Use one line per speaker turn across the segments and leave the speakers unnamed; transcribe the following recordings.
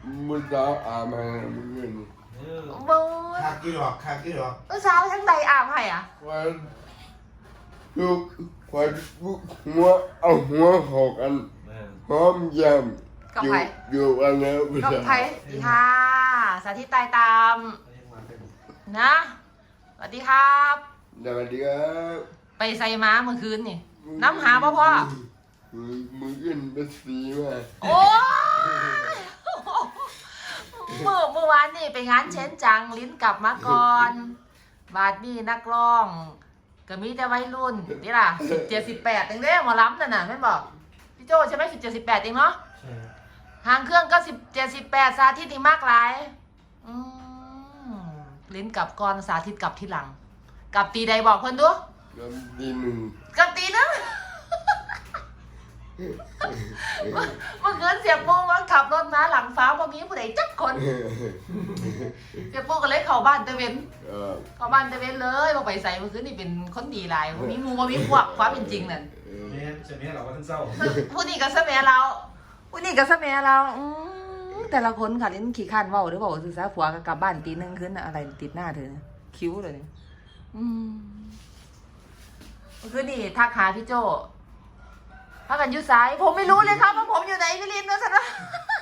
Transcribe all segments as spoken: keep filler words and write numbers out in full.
มึงจะอาบให้มึงเงิน
บูด
คากี่ดอกคากี่ดอก
เมื่อเช้าทั้งใดอาบให้อ่ะ
ควันลูกควันลูกหัวเอาหัวหอกกันหอมยำอยู่อยู่กันแล้ว
กับไผ่สวัสดีค่ะสาธิตตายตามนะสวัสดีครับ
สวัสดีครับ
ไปใส่ม้าเมื่อคืนนี่น้ำหาพ่อพ่อ
มึงมึงขึ้นเป็นสีมา
โอ้ยเมื่อเมื่อวานนี่ไปงานเช้นจังลิ้นกลับมาก่อนบาดนี่นักร้องก็มีแต่วัยรุ่นนี่ล่ะสิบเจ็ดสิบแปดเองเด้หมอล้ำน่ะน่ะแม่บอกพี่โจใช่ไหมสิบเจ็ดสิบแปดเองเนาะหางเครื่องก็สิบเจ็ดสิบแปดสาธิตนี่มากหลายอืมลิ้นกลับก่อนสาธิตกลับทีหลังกลับตีใดบอกเพิ่นดู
ลำดีหนึ่ง
กลับตีนึงเมื่อคืนเสียปูว่าขับรถมาหลังฟ้าพอมีผู้ใดจักคนเสียปูก็เลยเข้าบ้านตะเวน
เออ
เข้าบ้านตะเวนเลยพอไปใส่เมื่อคืนนี่เป็นคนดีหลายบ่มีหมูบ่มีพวกความเป็นจริงนั่น
แม่จะมีเราว่าท่านเศร้า
ผู้นี้ก็สะแหมเราผู้นี้ก็สะแหมเราอืมแต่ละคนค่ะเล่นขี้ข้านเว้าหรือเปล่าซื่อซะผัวก็กลับบ้านตีหนึงคืนน่ะอะไรติดหน้าเธอเนี่ยคิ้วเลยเนี่ยอืมเมื่อคืนนี่ทักหาพี่โจพักกันอยู่ซ้ายผมไม่รู้เลยครับว่าผมอยู่ไหนพี่ลินนะสันว่า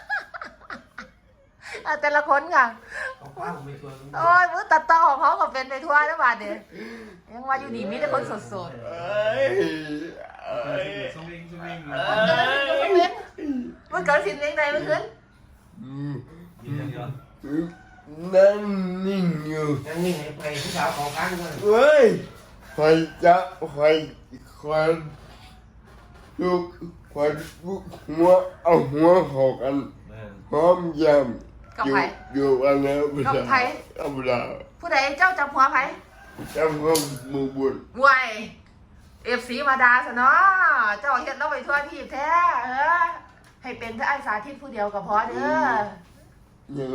แต่ละคนค่ะ
ของป้าผมไม่ชวน
โอ้ยมือตัดต่อของเขาก็เป็นไปทั่วแล้วบาดเดียยังว่าอยู่ดีมีแต่คนสด
เอ้ยเอ้ย
สวิงสวิง
ๆมันเกิดอะไรขึ้นมันเกิดสิ่งใดเมื่อคืน
อืม
ยืนเดียว
นั่งนิ่งอยู่
ยังนิ่งให้ไปผู้สาวของข้างด้วย
เฮ้ยใครจะใครใครลูกใครลูกหัวเอาหัวหอกกันหอมยำ
กับ
อยู่
ไผ
อยู่กันแล้ว
กับไผ
เอาเวลา
ผู้ใดเจ้าจับหัวไผ
จำความมือบุญ
วายเอฟซีมาดาซะเนาะเจ้าเฮ็ดเราไปทั่วที่แท้เออให้เป็นแต่ไอ้สาธิตผู้เดียวก็พอเด้อ
ยังไง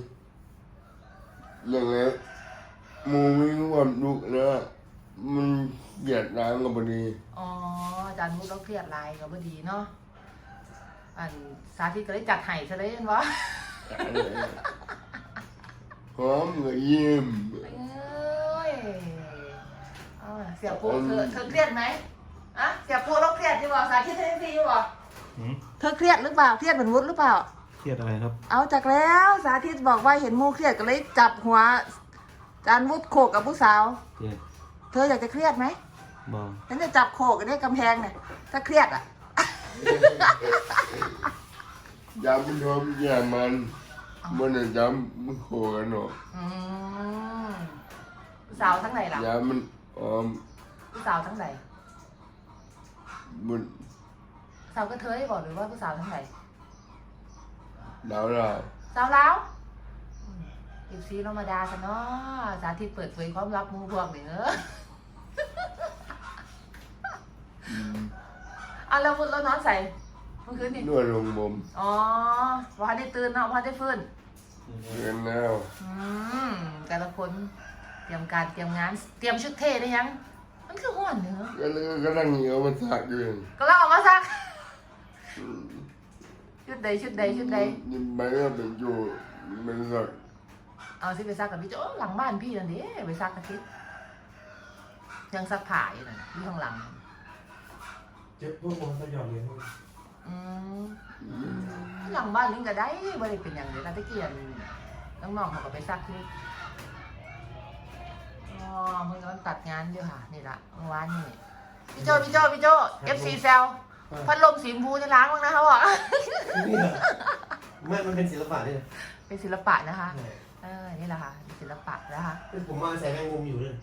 ยังไงมูมีความดุนะมันเหยียดร้างกับพอดี
อ๋ออาจารย์มุดเราเครียดหลายก็บ่ดีเนาะอันสาธิตก็เลยจัดให้ซะเลยเห็นบ่
หอมกับยิ้ม
เอ้ยเอาล่ะเสียปูเธอเธอเครียดไหมอะเสียปูเราเครียดอยู่บ่สาธิตเธอเครียดอยู่บ่เธอเครียดหรือเปล่าเครียดเหมือนวุฒิหรือเปล่า
เครียดอะไรครับ
เอาจากแล้วสาธิตบอกว่าเห็นมูเครียดก็เลยจับหัวอาจารย์วุฒิโขกกับผู้สาว
เครียด
เธออยากจะเครียดไหม
บอ
ฉันจะจับโขกกันได้กำแพงเนี่ยถ้าเครียดอ่ะ
ยำมันหอมแย่มันมันจะยำมันโขกันเนาะ
อืมผู้สาวทั้งไหนล่ะ
ยำมันหอม
ผู้สาวทั้งไหน
มัน
สาวก็เธอให้บอกหรือว่าผู้สาวทั้งไหน
ดาวดาว
สาวแล้วอีซีธรรมดาซะเนาะสาธิตเปิดเผยความลับหมูพวกนี่เนอะ
อืม
อ่ะแล้วมุดแล้วนอนใส่เมื่อคืนนี่
นวดลงมุม
อ๋อพอได้ตื่นเนาะพอได้ฟื้น
เงินแล้ว
อืมแต่ละคนเตรียมการเตรียมงาน เตรียมชุดเท่ได้ยัง มันคือห้วนเนื้อะ
ก็เลยก็นั่งเหนียวมันสักอยู่
ก็เราออกมาซักชุดใดชุดใดชุดใด
นี่ไม่ก็เป็นอยู่มันสัก
เอาสิไปซักกับพี่โจ้หลังบ้านพี่นั่นดิไปซักอาทิตย์ยังซักผ้าอยู่นั่นที่ข้างหลัง
เจ็บพวกคนก็ยอมเรียน
อืมหลังบ้านลิงก็ได้บ่ได้เป็นอย่างเดียวนะตะเกียนน้องๆเขาก็ไปซักที่อ๋อเพิ่งกำลังตัดงานอยู่ค่ะนี่ละเมื่อวานนี่พี่โจพี่โจพี่โจ เอฟ ซี แซลพัดลมสีชมพูจะล้างบ้างนะเขาบอก
ไม่มันเป็นศิลปะนี่นะ
เป็นศิลปะนะคะเออนี่แหละค่ะเป็นศิลปะนะคะ
ผมมาใส่แมงมุมอยู่เลย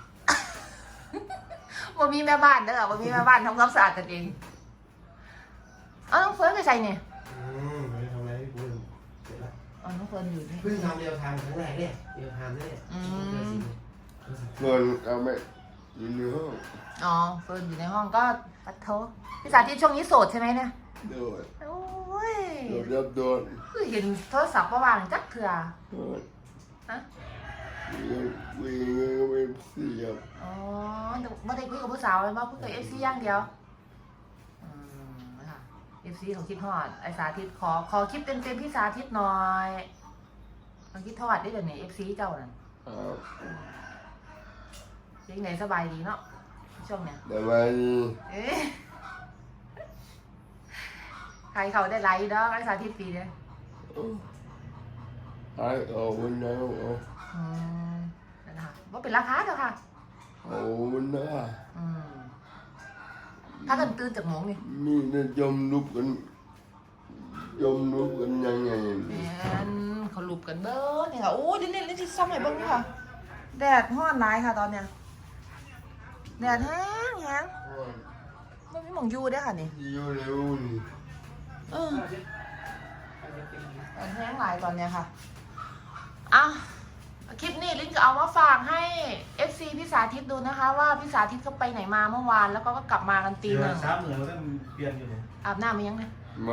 บ่มีแม่บ้านเด้อบ่มีแม่บ้านทำความสะอาดกันเองเอาน้องเฟิร์นไปใส่เนี่ย
อืมไม่ได้ทำอะไรพี่ปุ้ยเสร็จแล้ว
อ๋อน้องเฟิร์นอยู่นี่
เพิ่งทำเรียวไทม์ครั้งแรกเนี่ยเรียวไทม์เนี่ย
ส่วนเอาไม่อยู่ในห้อง
อ๋อเฟิร์นอยู่ในห้องก็ปัดโทพี่สาธิตช่วงนี้โสดใช่ไหมเนี่ย
โดด
โอ้ย
โดดรับโดด
คือเห็นโทรศัพท์ประวางจักเถื่อ
โดด
ฮะ
วิ่งวิ่งก็ไม่เสียบ
อ๋อไม่ได้คุยกับผู้สาวเลยว่าคุยกับเอฟซีอย่างเดียวอืมนะคะเอฟซีเขาคิดทอดไอสาธิตขอขอคลิปเต็มๆพี่สาธิตหน่อยเขาคิดทอดได้เดี๋ยวนี้เอฟซีเจ้านั่น
ครับ
ยังไงสบายดีเนาะช่วงเนี้ย
สบายดี
เอ๊ะใครเขาได้ไลค์เนาะไอสาธิตปีเนี่ย
ไอ้เอาวันนั้นเอา
อืมนั่นนะคะว่าเป็นราคาเด้อค่ะ
เอาวันนั้น
อืมถ้ากันตื่นจากหมงนี่
มีแต่ยมลุกกันยมลุกกันยังไง
แมนเขาลุบกันเบ้อนี่ค่ะโอ้ยนี่นี่นี่ที่ซ่อมไหนบ้างนี่ค่ะแดดฮ้อนร้ายค่ะตอนเนี้ยแดดแห้งแห้งไม่มีหมองยูเด้อค่ะนี่
อยู่เร็วนี่
เออแดดแห้งหลายตอนเนี้ยค่ะอ่ะคลิปนี้ลิ้นก็เอามาฝากให้ เอฟ ซี พี่สาธิตดูนะคะ ว่าพี่สาธิตเขาไปไหนมาเมื่อวานแล้วก็กลับมากันตีหนึ่ง
สามเหนือแล้วก็เปลี่ยนอยู่เลย
อาบน้ำมายังไง
มา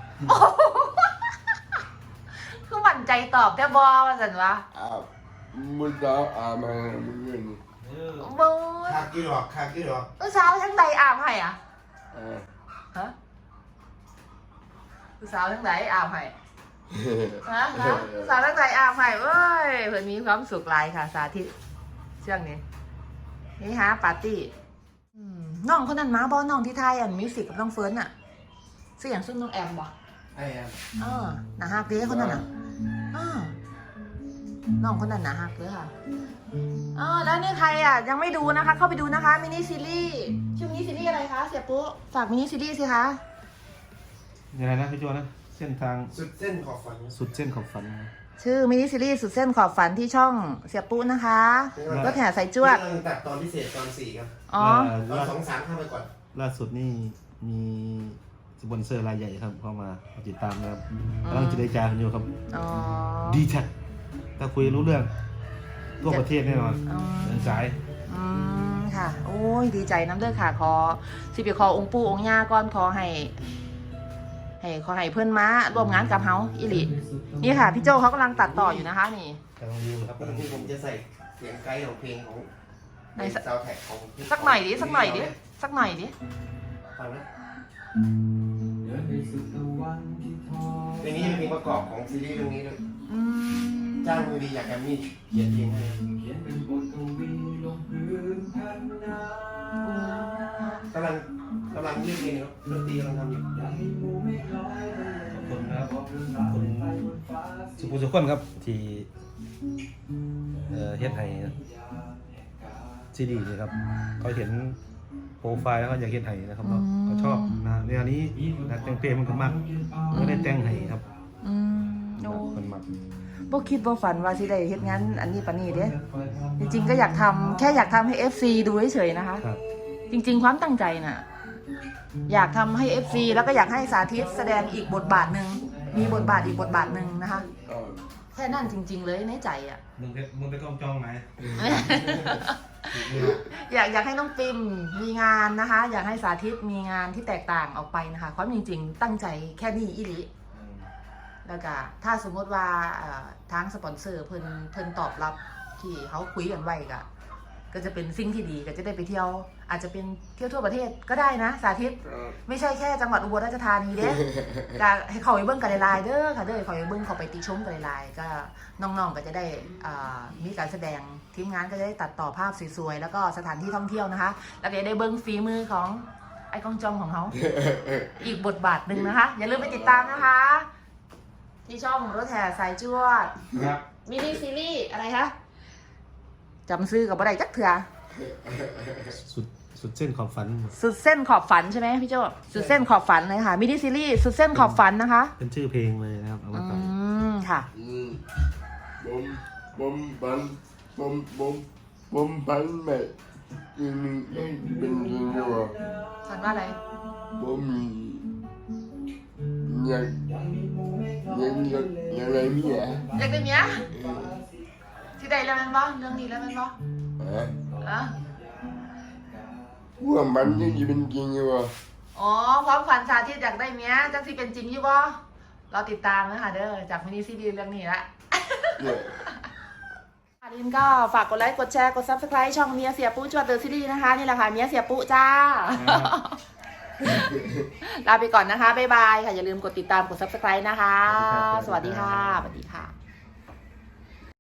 คือหวั่นใจตอบแต่บอว่าสันวะ
อาบมุดาวอาบมาเมื่อคืนนี่
เออ
บู
คากี่หรอกคากี่หรอก
เมื่อเช้าทั้งใดอาบให้อ่ะ
อ่า
ฮะเมื่อเช้าทั้งใดอาบให้ฮะฮะเมื่อเช้าทั้งใดอาบให้เว้ยเพื่อนมีความสุขหลายค่ะสาธิตช่วงนี้นี่ฮะปาร์ตี้อืมน้องคนนั้นมาบอน้องที่ไทยอันมิวสิกกับน้องเฟิร์นอ่ะเสียงซึ่งน้องแอมบอ
ไอ้ครับ
เออหนาฮักเด้คนนั้นอ่ะเออน้องคนนั้นหนาฮักเด้อค่ะเออแล้วนี่ใครอ่ะยังไม่ดูนะคะ เข้าไปดูนะคะมินิซีรีส์ชื่อมินิซีรีส์อะไรคะเสียปุ๊ฝากมินิซีรีส์สิคะ
ยังไงนะพี่โจนะเส้นทาง
สุดเส้นขอบฝัน
สุดเส้นขอบฝัน
ชื่อมินิซีรีส์สุดเส้นขอบฝันที่ช่องเสียปุ๊นะคะรถแห่สายจวด
กำลังตัดตอนพิเศษตอนสี่ครับ
อ๋อ
ตอนสองสามเข้าไปก่อน
ล่าสุดนี่มีสปอนเซอร์รายใหญ่ครับเข้ามาติดตามนะครับกำลังจะได้จ่ายกันอยู่ครับ
อ๋อ
ดีแท็กถ้าคุยรู้เรื่องทั่วประเทศแน่นอน
อ๋อ
เดินสาย
อืมค่ะ โอ้ยดีใจน้ำเด้อค่ะขอสิบขอองค์ปู่องค์ย่าก่อนขอให้ให้ขอให้เพื่อนม้าร่วมงานกับเฮาอิลินี่ค่ะพี่โจเขากำลังตัดต่ออยู่นะคะนี่
กำลังดูครับ
ปกติผมจะใส่เสียงไกด์ของเพลงของ
ไหน
ในซาวด์แท็กของ
สักหน่อยดิสักหน่อยดิสักหน่อยดิ
ฟังนะเพลงนี้เป็นเพลงประกอบของซีรีส์เรื่องนี้ด้วย
อืม
จ้างมือดีอยากแกมมี่เขียนเพลงให้กำลังกำลังเรียบเรียงครับดนตรีกำลังทำอยู่
ขอบคุณนะครับขอบคุณสุขุมสุขคนครับที่เอ่อเฮ็ดให้ซีดีนี่ครับเขาเห็นโปรไฟล์แล้วเขาอยากเฮ็ดให้นะครับเนาะเขาชอบนะแนวนี้นักแต่งเพลงมันก็มักก็ได้แต่งให้ครับ
อืมโอ้
มันมัก
บ่คิดบ่ฝันว่าสิได้เฮ็ดงานอันนี้ปานนี้เด้จริงๆก็อยากทำแค่อยากทำให้ เอฟ ซี ดูเฉยๆนะคะ
ครับ
จริงๆความตั้งใจน่ะอยากทำให้ เอฟ ซี แล้วก็อยากให้สาธิตแสดงอีกบทบาทหนึ่งมีบทบาทอีกบทบาทหนึ่งนะคะ
อ่า
แค่นั้นจริง ๆ เลยในใจอ่ะ
มึงไปมึงไปกล้องจ้องไหม
อยากอยากให้น้องปิมมีงานนะคะ อยากให้สาธิตมีงานที่แตกต่างออกไปนะคะความจริงๆตั้งใจแค่นี้อีหลีแล้วก็ถ้าสมมติว่าเอ่อทางสปอนเซอร์เพิ่นเพิ่นตอบรับที่เขาคุยกันไว้ก็ก็จะเป็นสิ่งที่ดีก็จะได้ไปเที่ยว อาจจะเป็นเที่ยวทั่วประเทศก็ได้นะสาธิต
อ่า
ไม่ใช่แค่จังหวัดอุบลราชธานีเด้ ก็ให้เขาไปเบิ้งกันไลน์เด้อค่ะเด้อเขาไปเบิ้งเขาไปติชมกันไลน์ก็น้องๆก็จะได้อ่ามีการแสดงทีมงานก็จะได้ตัดต่อภาพสวยๆแล้วก็สถานที่ท่องเที่ยวนะคะ แล้วก็จะได้เบิ้งฝีมือของไอ้กองจอมของเขา อีกบทบาทหนึ่งนะคะ อย่าลืมไปติดตามนะคะ ที่ช่องรถแห่สายจวด
ครับ
มินิซีรีส์อะไรคะจำซื้อกับบ่ได้จักเถื่อ
สุดสุดเส้นขอบฝัน
สุดเส้นขอบฝันใช่ไหมพี่โจสุดเส้นขอบฝันเลยค่ะมินิซีรีส์สุดเส้นขอบฝันนะคะ
เป็นชื่อเพลงเลยนะครับเอา
อื
มาต่อ
มค่ะ
อืมบมบมปันบมบมบมปันแบบอืมเป็นจริงหรือเปล่า
ฝันว่าอะไร
บมมียังยังยังยังไรมีอ่ะ
อยากได้เมียที่ใดแล้วแมันบ่เรื่องนี้แล้วแมันบ่
ฮะ
อะ
ว่ามันยังจะเป็นจริงหรือเปล่า
อ๋อความฝันสาธิตอยากได้เมียจักสิเป็นจริงอยู่บ่เราติดตามนะคะเด้อจากมินิซีรีส์เรื่องนี้ละ
เนี่ย
ค่ะลินก็ฝากกดไลค์กดแชร์กด ซับสไครบ์ ช่องเมียเสียปุ๊จวดเดอะซีรีส์นะคะนี่แหละค่ะเมียเสียปุ๊จ้าลาไปก่อนนะคะ บ๊ายบายค่ะ อย่าลืมกดติดตาม กด ซับสไครบ์ นะคะ สวัสดีค่ะ สวัสดีค่ะ